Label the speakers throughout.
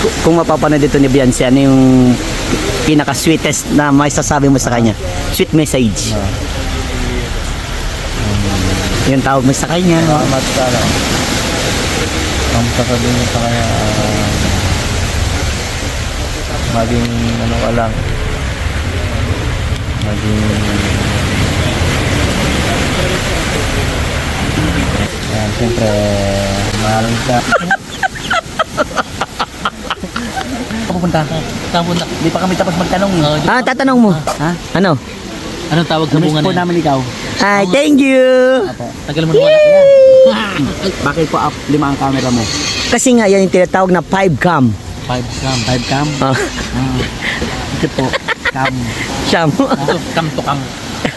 Speaker 1: Kung mapapanood dito ni Beyonce, ano yung pinaka-sweetest na may sasabi mo sa kanya? Sweet message. Yung tawag mo sa kanya.
Speaker 2: Salamat ka lang. Ang sasabihin mo sa kanya, maging ano ka lang, maging yan, siyempre mahalin ka.
Speaker 3: Pupunta. Pupunta.
Speaker 1: Di pa kami tapos magtanong. Tatanong mo. Ha? Ano?
Speaker 3: Anong tawag sa bunga na yan?
Speaker 1: namin ikaw. Hi, thank you!
Speaker 3: Tagal mo na wala.
Speaker 1: Bakit po up 5 ang camera mo? Kasi nga, yan yung tinatawag na 5 cam.
Speaker 3: 5 gram.
Speaker 1: 5 cam?
Speaker 3: Ito po. Cam.
Speaker 1: Siyam.
Speaker 3: Ito, cam to cam.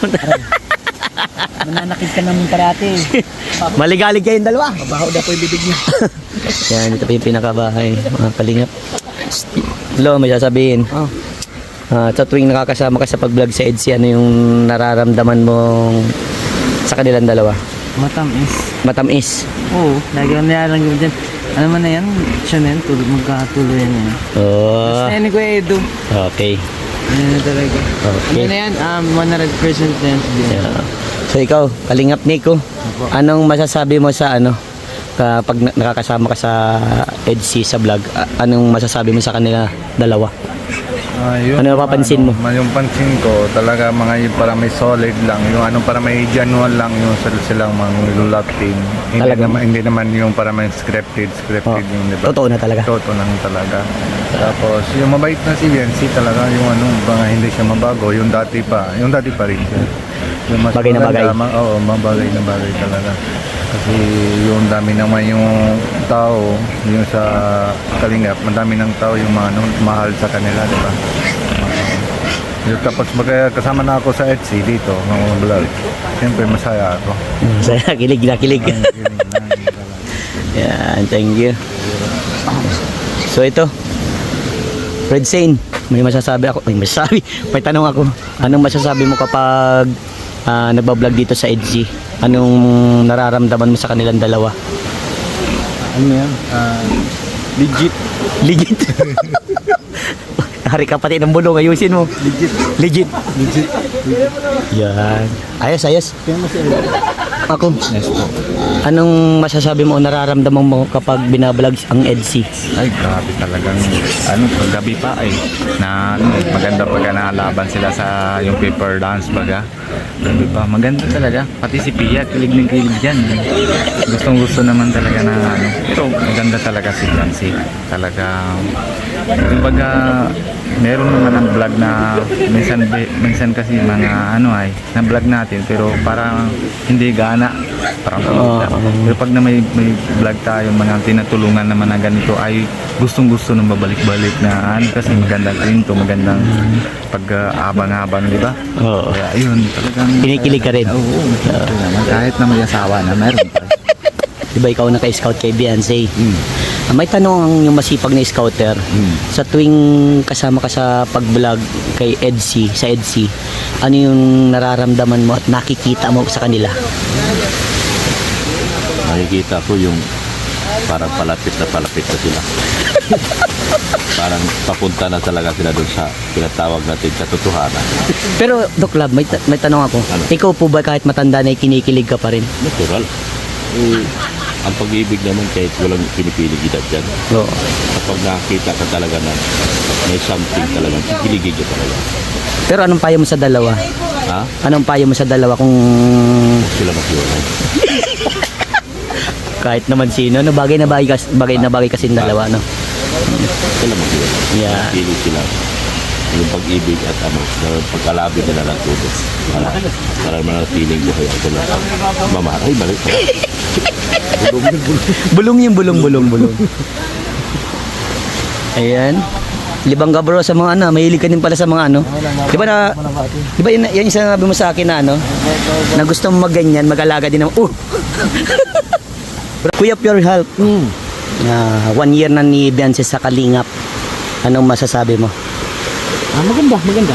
Speaker 1: Mananakit ka naman parati. Maligalig kayong dalawa.
Speaker 3: Mabaho na po yung bibig niya.
Speaker 1: Yan, ito po yung pinakabahay. Mga kalingap. Hello, may sasabihin. Sa tuwing nakakasama ka sa pag-vlog sa EDSI, ano yung nararamdaman mong sa kanilang dalawa?
Speaker 3: Matamis.
Speaker 1: Matamis.
Speaker 3: Oo, lagi ko nilalang ko dyan. Ano man na yan? Siya na yan, magkatuloy na yan.
Speaker 1: Oh,
Speaker 3: Ano ko Edo?
Speaker 1: okay.
Speaker 3: Ano na talaga.
Speaker 1: Okay.
Speaker 3: Ano na yan? 100% na yan.
Speaker 1: Yeah. So ikaw, Kalingap Nico, anong masasabi mo sa ano kapag nakakasama ka sa EDSI sa vlog? Anong masasabi mo sa kanila dalawa?
Speaker 2: Yun,
Speaker 1: Ano napapansin mo?
Speaker 2: Yung pansin ko, talaga mga yun para may solid lang. Yung ano para may genuine lang yung silang mga love team. Hindi naman yung para may scripted yung diba?
Speaker 1: Totoo na talaga.
Speaker 2: Totoo lang talaga. Tapos yung mabait na si Beyonce talaga yung ano, mga hindi siya mabago, yung dati pa rin siya. Yung mas
Speaker 1: Bagay na bagay.
Speaker 2: Oo, mabagay na bagay talaga. Kasi yung dami naman yung tao, yung sa Kalingap, madami ng tao yung mga mahal sa kanila, di ba? Tapos kasama na ako sa EDSI dito, mga vlog. Siyempre masaya ako.
Speaker 1: Saya, kilig na kilig. Yan, thank you. So ito, Red Sane, may masasabi ako, may tanong ako. Anong masasabi mo kapag nagbablog dito sa EDSI? Anong nararamdaman mo sa kanilang dalawa?
Speaker 2: Ano yan? Legit.
Speaker 1: Legit. Hari ka pati ng bulong, ayusin mo. Legit. Yan. Ayos. Ako. Anong masasabi mo o nararamdaman mo kapag binablog ang EDSI?
Speaker 4: Ay, grabe talagang gabi pa ay na maganda pagka nalaban sila sa yung paper dance baga. Gabi pa, maganda talaga. Pati si Pia, kilig ng kilig dyan. Gustong-gusto naman talaga na pero maganda talaga si Beyonce. Talaga, kumbaga, meron naman ang vlog na minsan kasi mga na vlog natin pero parang hindi gana. Parang pero pag na may vlog tayo, mga tinatulungan naman na ganito ay gustong-gusto nang babalik-balik na kasi magandang kwento, magandang pag-abang-abang, di ba?
Speaker 1: Oo.
Speaker 4: Kaya yun, talagang
Speaker 1: Kinikilig ka rin.
Speaker 4: Oo, kahit na may asawa na meron pa.
Speaker 1: Diba ikaw naka-scout kay Beyonce? May tanong ang yung masipag na scouter. Sa tuwing kasama ka sa pag-vlog kay EDSI, sa EDSI, ano yung nararamdaman mo at nakikita mo sa kanila?
Speaker 5: Nakikita ko yung parang palapit na sila. Parang papunta na talaga sila doon sa pinatawag natin katotohanan.
Speaker 1: Pero Doc Lab, may tanong ako.
Speaker 5: Ano?
Speaker 1: Ikaw po ba kahit matanda na kinikilig ka pa rin?
Speaker 5: Natural. Ang pag-ibig naman kahit walang pinipilig edad dyan.
Speaker 1: Oo.
Speaker 5: Kapag nakakita ka talaga na may something talaga, kikiligin ka talaga.
Speaker 1: Pero anong payo mo sa dalawa?
Speaker 5: Ha?
Speaker 1: Anong payo mo sa dalawa kung
Speaker 5: Huwag sila maghiwalay.
Speaker 1: kahit naman sino, no? Bagay na bagay kasi yung dalawa, no?
Speaker 5: Huwag sila maghiwalay.
Speaker 1: Yeah.
Speaker 5: Kilig sila. Yung pag-ibig at pagkalabi nila ng tubo. Para manatiling buhay ako lang. Mamahay, balik pa.
Speaker 1: Bulong. Ayan. Libang ka bro sa mga mahilig ka din pala sa mga Di ba yan yung sinabi mo sa akin na na gusto mo magganyan, mag-alaga din ng Kuya Pure Health. 1 year na ni Beyonce sa Kalingap. Anong masasabi mo?
Speaker 3: Maganda. Maganda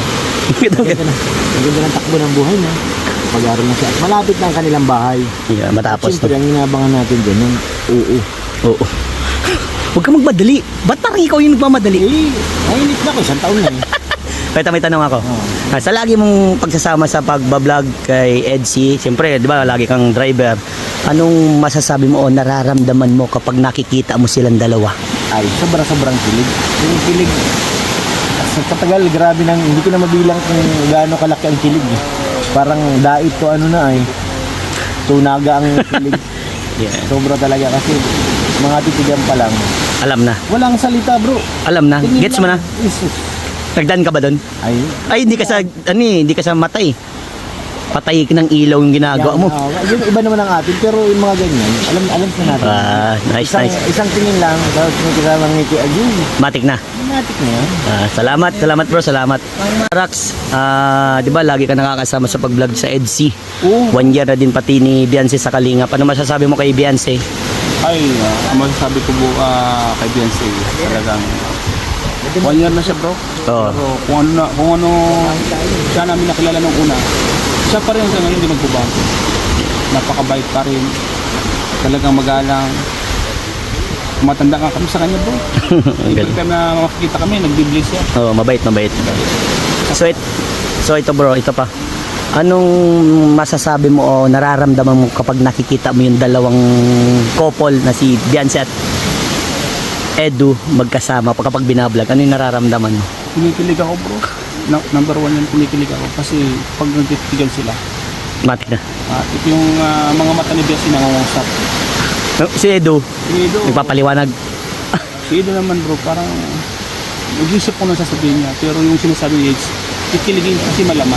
Speaker 3: ng takbo ng buhay niya. Pag-aaral na siya. Malapit na ang kanilang bahay.
Speaker 1: Yeah, matapos
Speaker 3: Siyempre, ang inabangan natin dyan, yung oo.
Speaker 1: Huwag kang magmadali. Ba't parang ikaw yung nagmamadali?
Speaker 3: Mainit na ako, isang taon na eh.
Speaker 1: Kaya may tanong ako. Sa lagi mong pagsasama sa pagbablog kay Edsy, siyempre, di ba, lagi kang driver. Anong masasabi mo o nararamdaman mo kapag nakikita mo silang dalawa?
Speaker 3: Ay, sobrang kilig. Yung kilig, sa katagal, grabe nang, hindi ko na mabilang kung gaano kalaki ang kilig. Eh. Parang dait ko ano na ay, tunaga ang kilig.
Speaker 1: Yeah.
Speaker 3: Sobra talaga kasi mga titigan pa lang.
Speaker 1: Alam na.
Speaker 3: Walang salita bro.
Speaker 1: Alam na.
Speaker 3: Tingin
Speaker 1: Gets mo na?
Speaker 3: lang. Jesus.
Speaker 1: Nagdaan ka ba doon?
Speaker 3: Ay,
Speaker 1: Ay, hindi ka sa, hindi ka sa matay. Patay ng ilaw yung ginagawa mo.
Speaker 3: Yung iba naman ang atin, pero yung mga ganyan, alam na natin.
Speaker 1: Nice,
Speaker 3: isang,
Speaker 1: nice.
Speaker 3: Isang tingin lang, tapos may kasamang ngiti, ayun,
Speaker 1: Matik na.
Speaker 3: matik na yan.
Speaker 1: Salamat bro, salamat. Rax, di ba lagi ka nakakasama sa pag-vlog sa Edsy?
Speaker 3: Oo.
Speaker 1: 1 year na din pati ni Beyonce sa Kalingap. Ano masasabi mo kay Beyonce?
Speaker 6: Ay, ang masasabi ko po kay Beyonce, talagang 1 year na siya bro.
Speaker 1: Oo.
Speaker 6: Pero kung ano siya namin nakilala nung una, siya pa rin hanggang ngayon hindi nagbabago. Napakabait pa rin. Talagang magalang. Matanda ka kami sa kanya bro.
Speaker 1: Ang
Speaker 6: Every
Speaker 1: galing.
Speaker 6: time na makikita kami, nagbibliss siya.
Speaker 1: Oo, mabait. So ito bro, ito pa. Anong masasabi mo o nararamdaman mo kapag nakikita mo yung dalawang couple na si Beyonce at Edu magkasama kapag binablog? Ano yung nararamdaman mo?
Speaker 6: Kinikilig ako bro. Number 1 yan, kinikilig ako. Kasi pag nagtitigan sila,
Speaker 1: Matik na.
Speaker 6: ito yung mga mata ni Beyonce nangungusap.
Speaker 1: Si Edu,
Speaker 6: Si Edo,
Speaker 1: nagpapaliwanag.
Speaker 6: Si Edo naman bro, parang nag-isip ko na sasabihin niya. Pero yung sinasabi ni Edge, kikiligin kasi malaman.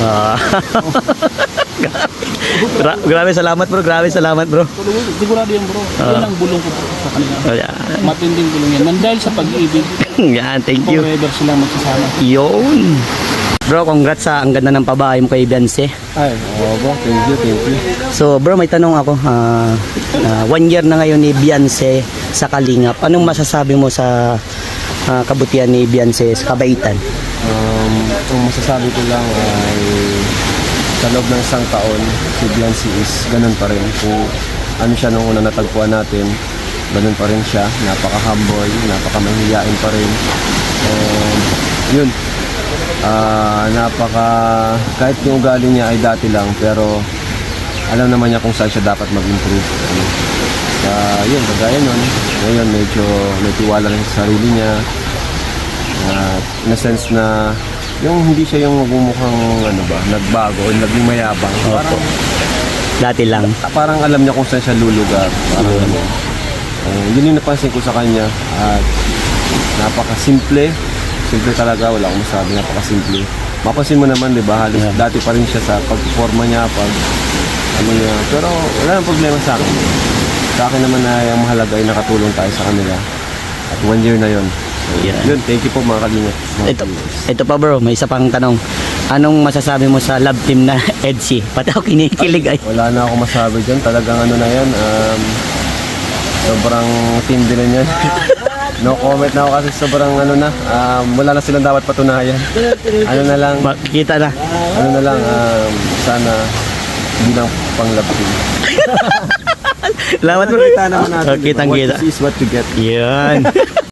Speaker 1: Grabe, salamat bro.
Speaker 6: Pero sigurado yan bro. Yan ang bulong ko bro sa kanila.
Speaker 1: Ayan.
Speaker 6: Matinding bulong yan. Nandahil sa pag-ibig,
Speaker 1: Yan, thank you.
Speaker 6: forever silang magsasama.
Speaker 1: Yun. Bro, congrats sa ang ganda ng pabahay mo kay Beyonce.
Speaker 3: Ay, oo bro, thank you.
Speaker 1: So bro, may tanong ako. 1 year na ngayon ni Beyonce sa Kalingap. Anong masasabi mo sa kabutihan ni Beyonce sa kabaitan?
Speaker 3: Ang masasabi ko lang ay sa loob ng isang taon, si Beyonce is ganun pa rin. Kung ano siya nung una natagpuan natin, ganun pa rin siya. Napaka-humble, napaka-mahihiyain pa rin. Yun. Kahit yung ugali niya ay dati lang, pero alam naman niya kung saan siya dapat mag-improve. Yun, kagaya nun. Ngayon, medyo may tiwala rin sa sarili niya. In a sense na yung hindi siya yung magmumukhang nagbago o naging mayabang.
Speaker 1: Dati lang.
Speaker 3: Parang alam niya kung saan siya lulugar. Parang yun yung napansin ko sa kanya. At napakasimple. Simple talaga, wala akong masabi, napakasimple. Mapansin mo naman, di ba, halos dati pa rin siya sa pagforma niya, niya. Pero wala nang problema sa akin. Sa akin naman na yung mahalaga ay nakatulong tayo sa kanila. At 1 year na yon.
Speaker 1: Yeah.
Speaker 3: Yun, thank you po mga kalingap.
Speaker 1: Ito pa bro, may isa pang tanong. Anong masasabi mo sa love team na Edsy? Pati ako kinikilig ay.
Speaker 3: Wala na ako masabi dyan. Talagang na yan. Sobrang tindi na yan. No comment na ako kasi sobrang wala na silang dapat patunayan. Na lang,
Speaker 1: Makikita na.
Speaker 3: sana hindi lang pang love team.
Speaker 1: Salamat bro.
Speaker 3: Kita naman natin.
Speaker 1: Kitang
Speaker 3: What
Speaker 1: kita.
Speaker 3: you see is what you get.
Speaker 1: Yan.